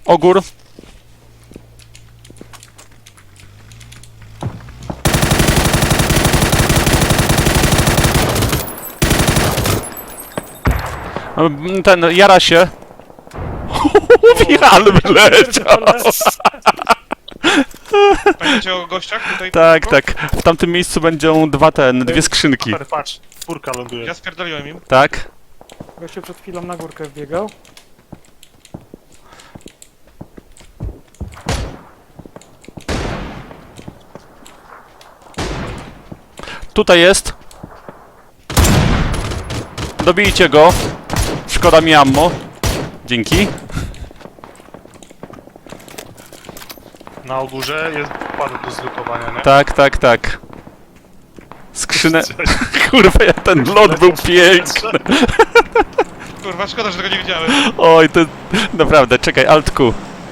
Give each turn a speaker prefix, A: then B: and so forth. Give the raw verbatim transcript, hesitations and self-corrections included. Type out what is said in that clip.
A: Ogór. Ten, jara się. Wiral wyleciał.
B: Pamiętacie o gościach tutaj?
A: Tak, tak. W tamtym miejscu będą dwa ten, dwie skrzynki.
C: Super, patrz, czwórka ląduje.
B: Ja spierdoliłem im.
A: Tak?
D: Gościu przed chwilą na górkę wbiegał.
A: Tutaj jest. Dobijcie go. Szkoda mi ammo. Dzięki.
C: Na ogórze jest parę do zlutowania, nie?
A: Tak, tak, tak. Skrzynę... Kurwa, ja ten lot był piękny.
B: Kurwa, szkoda, że tego nie widziałem.
A: Oj, to... Naprawdę, czekaj, altku.